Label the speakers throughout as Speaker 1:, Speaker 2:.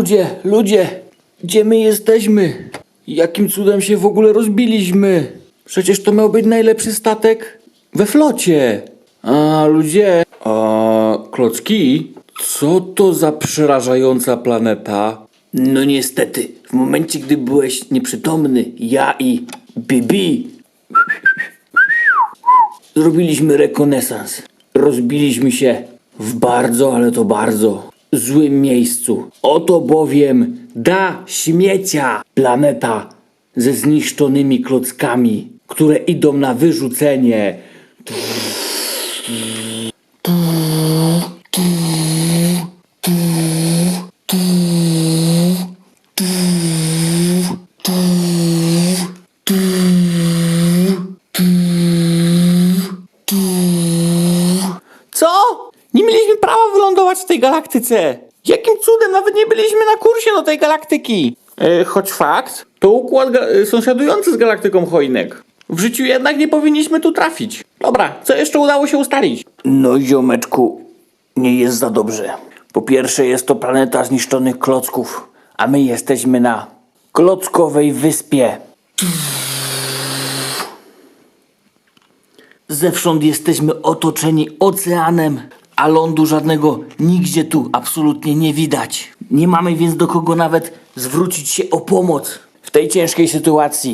Speaker 1: Ludzie, gdzie my jesteśmy? Jakim cudem się w ogóle rozbiliśmy? Przecież to miał być najlepszy statek we flocie. Klocki? Co to za przerażająca planeta? No niestety, w momencie gdy byłeś nieprzytomny, ja i Bibi zrobiliśmy rekonesans. Rozbiliśmy się w bardzo, ale to bardzo złym miejscu. Oto bowiem da śmiecia planeta ze zniszczonymi klockami, które idą na wyrzucenie. Co? Nie mieliśmy prawa wylądować w tej galaktyce. Jakim cudem? Nawet nie byliśmy na kursie do tej galaktyki. Choć fakt, to układ sąsiadujący z galaktyką Choinek. W życiu jednak nie powinniśmy tu trafić. Dobra, co jeszcze udało się ustalić? No ziomeczku, nie jest za dobrze. Po pierwsze jest to planeta zniszczonych klocków, a my jesteśmy na Klockowej Wyspie. Zewsząd jesteśmy otoczeni oceanem, a lądu żadnego nigdzie tu absolutnie nie widać. Nie mamy więc do kogo nawet zwrócić się o pomoc w tej ciężkiej sytuacji.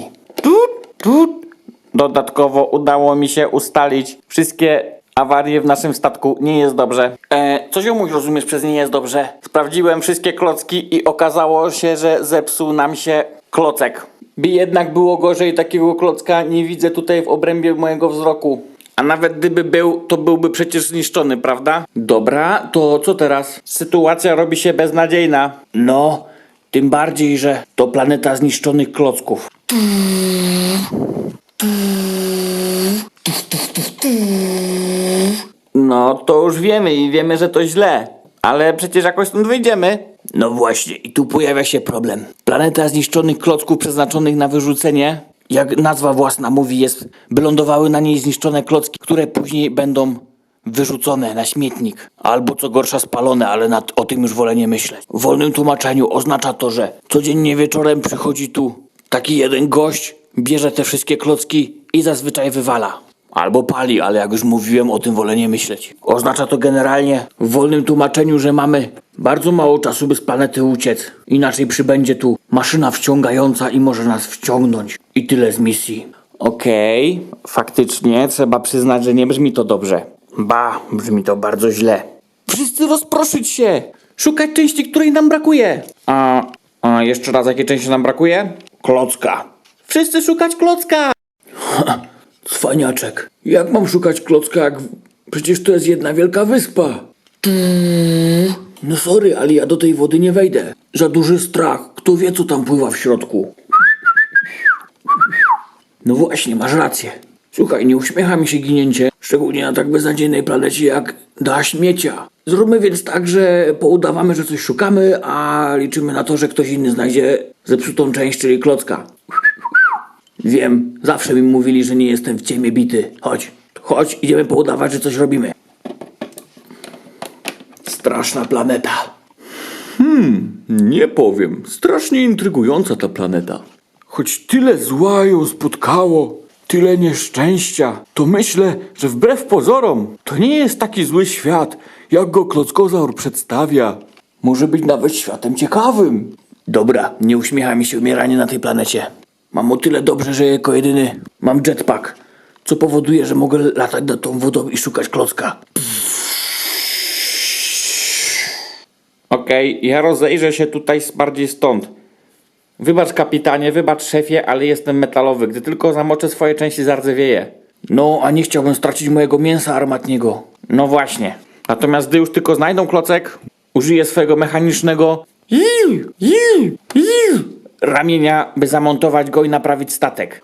Speaker 1: Dodatkowo udało mi się ustalić wszystkie awarie w naszym statku. Nie jest dobrze. Co ziomuś rozumiesz przez nie jest dobrze? Sprawdziłem wszystkie klocki i okazało się, że zepsuł nam się klocek. By jednak było gorzej, takiego klocka nie widzę tutaj w obrębie mojego wzroku. A nawet gdyby był, to byłby przecież zniszczony, prawda? Dobra, to co teraz? Sytuacja robi się beznadziejna. No, tym bardziej, że to planeta zniszczonych klocków. No, to już wiemy i wiemy, że to źle. Ale przecież jakoś stąd wyjdziemy. No właśnie, i tu pojawia się problem. Planeta zniszczonych klocków przeznaczonych na wyrzucenie, jak nazwa własna mówi, jest, by lądowały na niej zniszczone klocki, które później będą wyrzucone na śmietnik. Albo co gorsza spalone, ale o tym już wolę nie myśleć. W wolnym tłumaczeniu oznacza to, że codziennie wieczorem przychodzi tu taki jeden gość, bierze te wszystkie klocki i zazwyczaj wywala. Albo pali, ale jak już mówiłem, o tym wolę nie myśleć. Oznacza to generalnie w wolnym tłumaczeniu, że mamy bardzo mało czasu, by z planety uciec. Inaczej przybędzie tu maszyna wciągająca i może nas wciągnąć. I tyle z misji. Okej, faktycznie trzeba przyznać, że nie brzmi to dobrze. Ba, brzmi to bardzo źle. Wszyscy rozproszyć się! Szukać części, której nam brakuje! A jeszcze raz, jakiej części nam brakuje? Klocka. Wszyscy szukać klocka! Cwaniaczek. Jak mam szukać klocka, jak przecież to jest jedna wielka wyspa? No sorry, ale ja do tej wody nie wejdę. Za duży strach. Kto wie, co tam pływa w środku? No właśnie, masz rację. Słuchaj, nie uśmiecha mi się ginięcie, szczególnie na tak beznadziejnej planecie jak da śmiecia. Zróbmy więc tak, że poudawamy, że coś szukamy, a liczymy na to, że ktoś inny znajdzie zepsutą część, czyli klocka. Wiem, zawsze mi mówili, że nie jestem w ciemię bity. Chodź, idziemy poudawać, że coś robimy. Straszna planeta. Nie powiem. Strasznie intrygująca ta planeta. Choć tyle zła ją spotkało, tyle nieszczęścia, to myślę, że wbrew pozorom to nie jest taki zły świat, jak go Klockozaur przedstawia. Może być nawet światem ciekawym. Dobra, nie uśmiecha mi się umieranie na tej planecie. Mam o tyle dobrze, że jako jedyny mam jetpack, co powoduje, że mogę latać nad tą wodą i szukać klocka. Okej, ja rozejrzę się tutaj bardziej stąd. Wybacz kapitanie, wybacz szefie, ale jestem metalowy. Gdy tylko zamoczę swoje części, zardzewieję. No, a nie chciałbym stracić mojego mięsa armatniego. No właśnie. Natomiast gdy już tylko znajdą klocek, użyję swojego mechanicznego ramienia, by zamontować go i naprawić statek.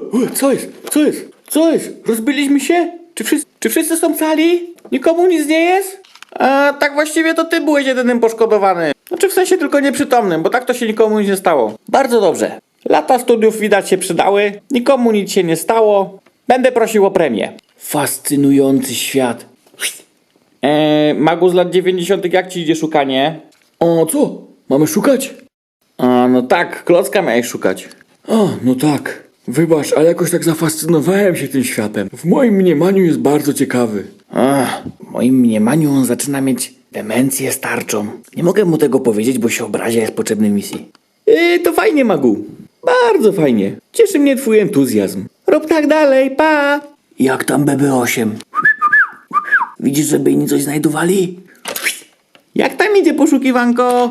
Speaker 1: Co jest? Rozbiliśmy się? Czy wszyscy są cali? Nikomu nic nie jest? Tak właściwie to ty byłeś jedynym poszkodowany. Znaczy w sensie tylko nieprzytomnym, bo tak to się nikomu nic nie stało. Bardzo dobrze. Lata studiów widać się przydały, nikomu nic się nie stało. Będę prosił o premię. Fascynujący świat. Magu z lat 90. jak ci idzie szukanie? O co?
Speaker 2: Mamy szukać?
Speaker 1: A, no tak, klocka miałeś szukać.
Speaker 2: A, no tak. Wybacz, ale jakoś tak zafascynowałem się tym światem. W moim mniemaniu jest bardzo ciekawy.
Speaker 1: W moim mniemaniu on zaczyna mieć demencję starczą. Nie mogę mu tego powiedzieć, bo się obrazi, jest potrzebny misji. To fajnie, Magu. Bardzo fajnie. Cieszy mnie twój entuzjazm. Rób tak dalej, pa! Jak tam BB8? Widzisz, żeby inni coś znajdowali? Jak tam idzie poszukiwanko?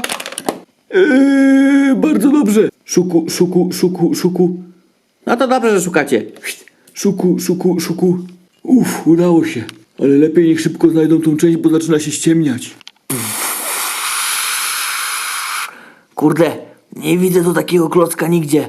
Speaker 2: Bardzo dobrze. Szuku.
Speaker 1: No to dobrze, że szukacie.
Speaker 2: Szuku. Udało się. Ale lepiej niech szybko znajdą tą część, bo zaczyna się ściemniać.
Speaker 1: Kurde, nie widzę tu takiego klocka nigdzie.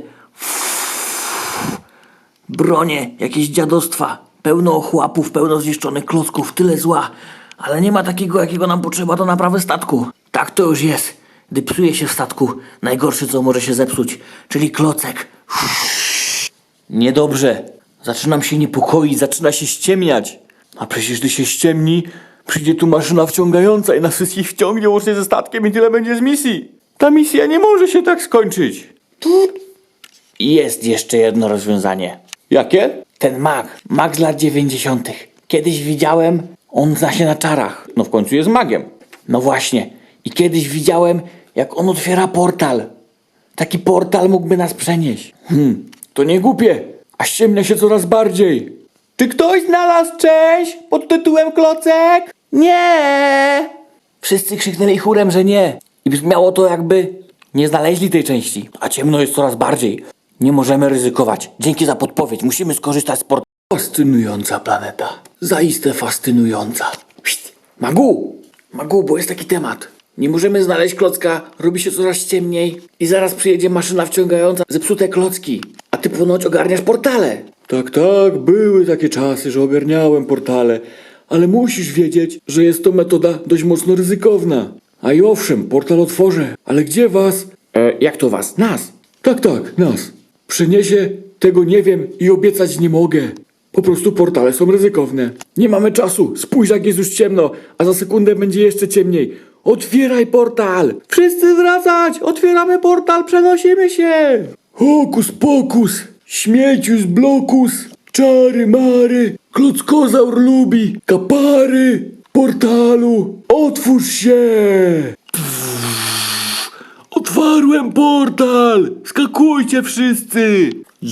Speaker 1: Bronie, jakieś dziadostwa. Pełno ochłapów, pełno zniszczonych klocków, tyle zła. Ale nie ma takiego, jakiego nam potrzeba do naprawy statku. Tak to już jest. Gdy psuje się w statku, najgorsze co może się zepsuć, czyli klocek. Niedobrze. Zaczynam się niepokoić, zaczyna się ściemniać.
Speaker 2: A przecież gdy się ściemni, przyjdzie tu maszyna wciągająca i nas wszystkich wciągnie łącznie ze statkiem i tyle będzie z misji. Ta misja nie może się tak skończyć.
Speaker 1: Jest jeszcze jedno rozwiązanie.
Speaker 2: Jakie?
Speaker 1: Ten mag z lat 90. Kiedyś widziałem, on zna się na czarach.
Speaker 2: No w końcu jest magiem.
Speaker 1: No właśnie. I kiedyś widziałem, jak on otwiera portal. Taki portal mógłby nas przenieść.
Speaker 2: To nie głupie, a ściemnia się coraz bardziej.
Speaker 1: Czy ktoś znalazł część pod tytułem Klocek? Nie! Wszyscy krzyknęli chórem, że nie. I brzmiało to, jakby nie znaleźli tej części. A ciemno jest coraz bardziej. Nie możemy ryzykować. Dzięki za podpowiedź. Musimy skorzystać z portalu.
Speaker 2: Fascynująca planeta. Zaiste fascynująca.
Speaker 1: Magu, bo jest taki temat. Nie możemy znaleźć klocka, robi się coraz ciemniej i zaraz przyjedzie maszyna wciągająca zepsute klocki. A ty ponoć ogarniasz portale.
Speaker 2: Tak, były takie czasy, że ogarniałem portale, ale musisz wiedzieć, że jest to metoda dość mocno ryzykowna. A i owszem, portal otworzę, ale gdzie was?
Speaker 1: Jak to was? Nas.
Speaker 2: Tak, nas. Przyniesie, tego nie wiem i obiecać nie mogę. Po prostu portale są ryzykowne. Nie mamy czasu, spójrz jak jest już ciemno, a za sekundę będzie jeszcze ciemniej. Otwieraj portal! Wszyscy wracać! Otwieramy portal, przenosimy się! Hokus pokus! Śmiecius blokus! Czary mary! Klockozaur lubi! Kapary! Portalu! Otwórz się! Otwarłem portal! Skakujcie wszyscy!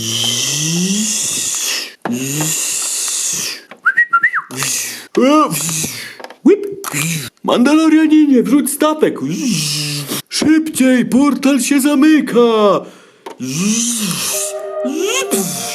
Speaker 2: Whip! Mandalorianinie, wrzuć statek! Szybciej, portal się zamyka!